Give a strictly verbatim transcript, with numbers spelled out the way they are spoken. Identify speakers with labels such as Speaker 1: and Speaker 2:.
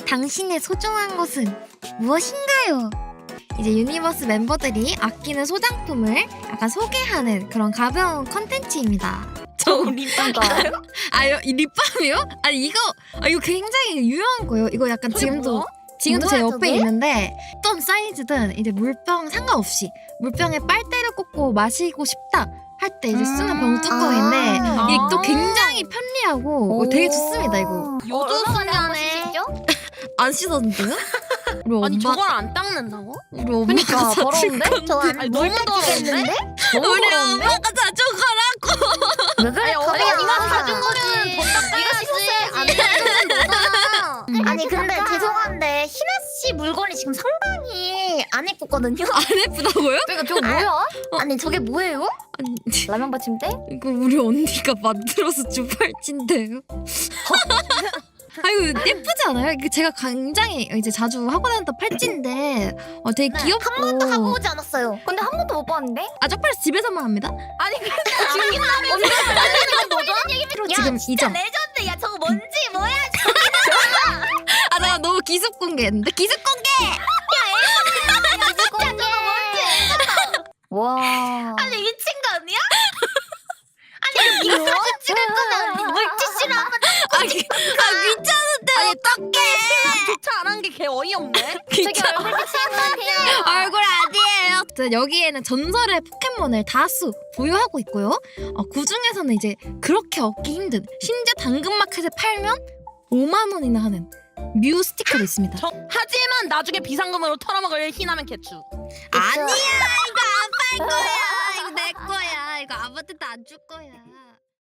Speaker 1: 당신의 소중한 것은 무엇인가요? 이제 유니버스 멤버들이 아끼는 소장품을 약간 소개하는 그런 가벼운 컨텐츠입니다.
Speaker 2: 저 립밤가요?
Speaker 1: 아유, 이 립밤이요? 아니 이거 아 이거 굉장히 유용한 거예요. 이거 약간 지금도
Speaker 2: 뭐야?
Speaker 1: 지금도 제
Speaker 3: 뭐야,
Speaker 1: 옆에
Speaker 3: 저게?
Speaker 1: 있는데 어떤 사이즈든 이제 물병 상관없이 물병에 빨대를 꽂고 마시고 싶다 할 때 이제 쓰는
Speaker 3: 음.
Speaker 1: 병뚜껑인데
Speaker 3: 아.
Speaker 1: 이게 또 굉장히 편리하고 어, 되게 좋습니다 이거.
Speaker 2: 요즘
Speaker 3: 소년에
Speaker 1: 안 씻었는데요? 우리
Speaker 2: 아니
Speaker 1: 엄마
Speaker 2: 저걸 안 닦는다고?
Speaker 1: 우리 엄마가
Speaker 3: 그러니까
Speaker 1: 사줄
Speaker 3: 더러운데?
Speaker 1: 건데.
Speaker 3: 저 안에
Speaker 2: 아니,
Speaker 3: 물
Speaker 2: 너무 더러운데?
Speaker 3: 뺏기겠는데?
Speaker 1: 우리 엄마가 사준 거라고.
Speaker 3: 왜 그래?
Speaker 2: 아니
Speaker 3: 거리
Speaker 2: 엄마가
Speaker 3: 안
Speaker 2: 사준
Speaker 3: 사준
Speaker 2: 거는 돈 닦아야지. 안 닦는 거잖아.
Speaker 3: 아니 근데 죄송한데 희나 씨 물건이 지금 상당히 안 예쁘거든요.
Speaker 1: 안 예쁘다고요?
Speaker 3: 그러니까 저거 뭐야? 아니 저게 뭐예요?
Speaker 1: 아니
Speaker 3: 라면 받침대?
Speaker 1: 이거 우리 언니가 만들어서 준 팔찌인데요. 아 이거 예쁘지 않아요? 이거 제가 굉장히 이제 자주 하고 다녔던 팔찌인데 어, 되게
Speaker 3: 네,
Speaker 1: 귀엽고
Speaker 3: 한 번도 하고 오지 않았어요. 근데 한 번도 못 봤는데?
Speaker 1: 아 쪽팔려서 집에서만 합니다.
Speaker 2: 아니 근데
Speaker 1: 필요
Speaker 3: 야
Speaker 1: 지금
Speaker 3: 진짜
Speaker 1: 이점.
Speaker 3: 레전드. 야 저거 뭔지 뭐야?
Speaker 1: 아 내가 너무 기습 공개했는데 기습 공개.
Speaker 3: 진짜 저거 뭔지. 와.
Speaker 2: 아니 미친 거 아니야?
Speaker 3: 아니 이거 사진 찍을 거면 물티슈로 한번
Speaker 1: 아, 기, 아 귀찮은데 어떡해.
Speaker 2: 조차 안 한 게 개 어이없네.
Speaker 1: 귀찮아.
Speaker 3: 얼굴 비치는 것 같아요.
Speaker 1: 얼굴 아니에요. 자, 여기에는 전설의 포켓몬을 다수 보유하고 있고요. 어, 그 중에서는 이제 그렇게 얻기 힘든 심지어 당근마켓에 팔면 오만 원이나 하는 뮤 스티커도 있습니다.
Speaker 2: 저, 하지만 나중에 비상금으로 털어먹을 희나면 개추.
Speaker 1: 아니야 이거 안 팔 거야. 이거 내 거야. 이거 아무한테도 안 줄 거야.